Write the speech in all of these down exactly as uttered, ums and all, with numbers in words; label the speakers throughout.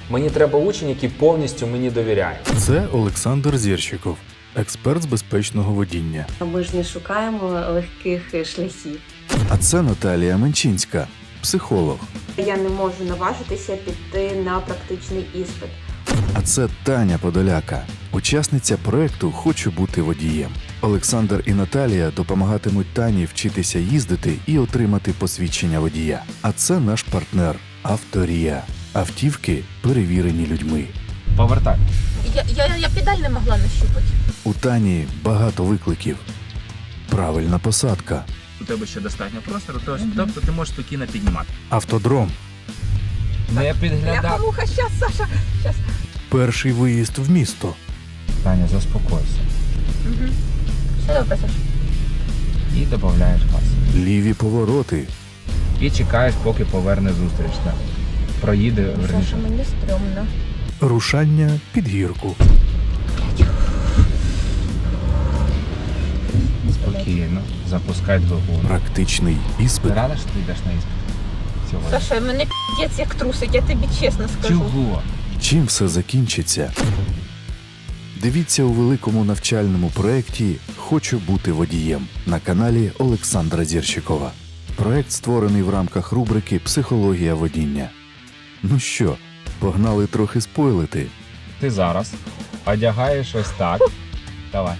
Speaker 1: Мені треба учень, який повністю мені довіряє.
Speaker 2: Це Олександр Зірщиков, експерт з безпечного водіння.
Speaker 3: Ми ж не шукаємо легких шляхів.
Speaker 2: А це Наталія Менчинська, психолог.
Speaker 4: Я не можу наважитися піти на практичний іспит.
Speaker 2: А це Таня Подоляка, учасниця проекту «Хочу бути водієм». Олександр і Наталія допомагатимуть Тані вчитися їздити і отримати посвідчення водія. А це наш партнер «Авторія». Автівки, перевірені людьми.
Speaker 1: Повертай.
Speaker 5: Я, я, я педаль не могла нащупати.
Speaker 2: У Тані багато викликів. Правильна посадка.
Speaker 6: У тебе ще достатньо простору, тож, тобто ти можеш спокійно піднімати.
Speaker 2: Автодром.
Speaker 1: Не підглядай.
Speaker 5: Муха, щас, Саша, щас.
Speaker 2: Перший виїзд в місто.
Speaker 1: Таня, заспокойся.
Speaker 5: Угу. Все добре, Саша.
Speaker 1: І додаєш газ.
Speaker 2: Ліві повороти.
Speaker 1: І чекаєш, поки поверне зустрічна. Проїде, верніше.
Speaker 5: Саша, мені стрьомно.
Speaker 2: Рушання під гірку.
Speaker 1: Спокійно. Запускай двигун.
Speaker 2: Практичний іспит.
Speaker 1: Ти рада, що ти йдеш на іспит? Сьогодні.
Speaker 5: Саша, мене п'єць як трусить, я тобі чесно скажу.
Speaker 1: Чого?
Speaker 2: Чим все закінчиться? Дивіться у великому навчальному проєкті «Хочу бути водієм» на каналі Олександра Зірщикова. Проєкт створений в рамках рубрики «Психологія водіння». Ну що, погнали трохи спойлити?
Speaker 1: Ти зараз одягаєш ось так. Давай.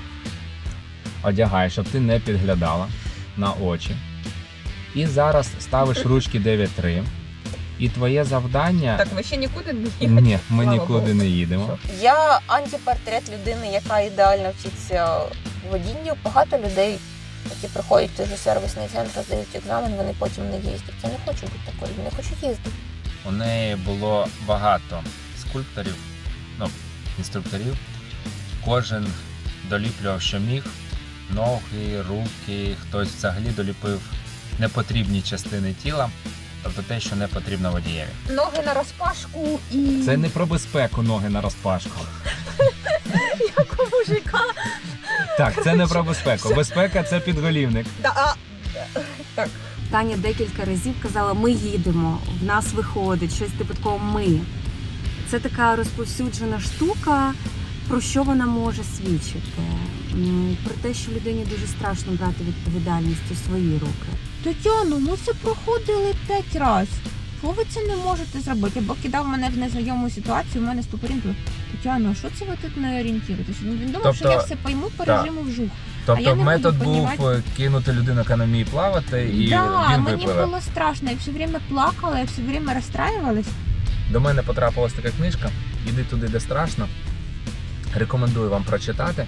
Speaker 1: Одягаєш, щоб ти не підглядала на очі. І зараз ставиш ручки дев'ять три. І твоє завдання...
Speaker 5: Так, ви ще нікуди не їдете?
Speaker 1: Ні, ми
Speaker 5: Слава
Speaker 1: нікуди
Speaker 5: Богу.
Speaker 1: не їдемо.
Speaker 5: Я антипортрет людини, яка ідеально вчиться водінню. Багато людей, які приходять в той же сервісний центр, здають екзамен, вони потім не їздять. Я не хочу бути такою, не хочу їздити.
Speaker 1: У неї було багато скульпторів, ну, інструкторів. Кожен доліплював, що міг. Ноги, руки, хтось взагалі доліпив непотрібні частини тіла, тобто те, що не потрібно водієві.
Speaker 5: Ноги на розпашку і...
Speaker 1: Це не про безпеку ноги на розпашку.
Speaker 5: Як у мужика.
Speaker 1: Так, це не про безпеку. Безпека – це підголівник.
Speaker 5: Да, а... Так.
Speaker 3: Таня декілька разів казала, ми їдемо, в нас виходить, щось типу такого ми. Це така розповсюджена штука, про що вона може свідчити. М, Про те, що людині дуже страшно брати відповідальність у свої руки.
Speaker 7: Тетяно, ми це проходили п'ять разів. Що ви це не можете зробити? Або кидав мене в незнайому ситуацію, у мене стопорінь. Тетяно, що це ви тут не орієнтуєтесь? Він думав,
Speaker 1: Тобто,
Speaker 7: що я все пойму по
Speaker 1: так.
Speaker 7: режиму вжух. А
Speaker 1: Тобто
Speaker 7: я не
Speaker 1: метод
Speaker 7: буду
Speaker 1: був
Speaker 7: понімати.
Speaker 1: кинути людину, яка не вміє плавати, і
Speaker 7: да,
Speaker 1: він
Speaker 7: мені
Speaker 1: випливе.
Speaker 7: було страшно, я все время плакала, я все время розстраювалась.
Speaker 1: До мене потрапилась така книжка «Іди туди, де страшно». Рекомендую вам прочитати.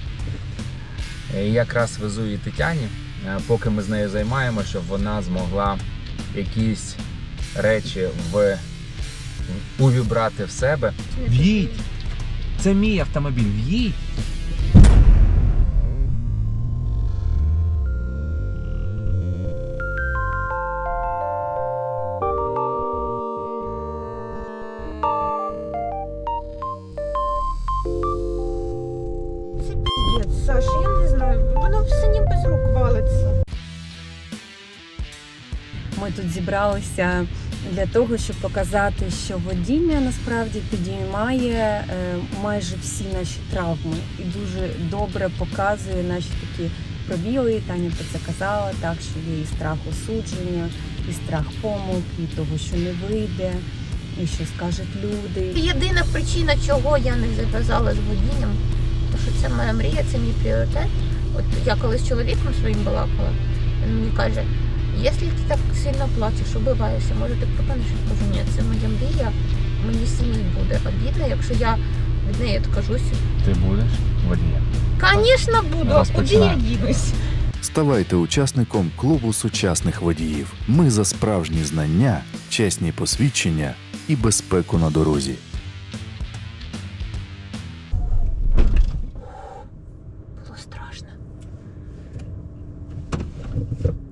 Speaker 1: І якраз везу її Тетяні, поки ми з нею займаємося, щоб вона змогла якісь речі в... увібрати в себе. В'їдь! Це мій автомобіль, в'їдь!
Speaker 7: Це п'єць, Саш, я не знаю, воно все ніби з рук валиться.
Speaker 3: Ми тут зібралися для того, щоб показати, що водіння насправді підіймає е, майже всі наші травми і дуже добре показує наші такі пробіли. Таня про це казала, так, що є і страх осудження, і страх помилки, і того, що не вийде, і що скажуть люди.
Speaker 5: Єдина причина, чого я не зав'язала з водінням, то що це моя мрія, це мій пріоритет. От я колись з чоловіком своїм балакала, він мені каже, якщо ти так сильно плачеш, убиваєшся, може ти пропонуєш? Я кажу, ні, це моя мрія, мені самій буде обідно, якщо я від неї відкажуся.
Speaker 1: Ти будеш водієм?
Speaker 5: Звісно, буду, а куди я
Speaker 1: Розпочинаємо.
Speaker 5: дінусь?
Speaker 2: Ставайте учасником клубу сучасних водіїв. Ми за справжні знання, чесні посвідчення і безпеку на дорозі.
Speaker 5: Було страшно.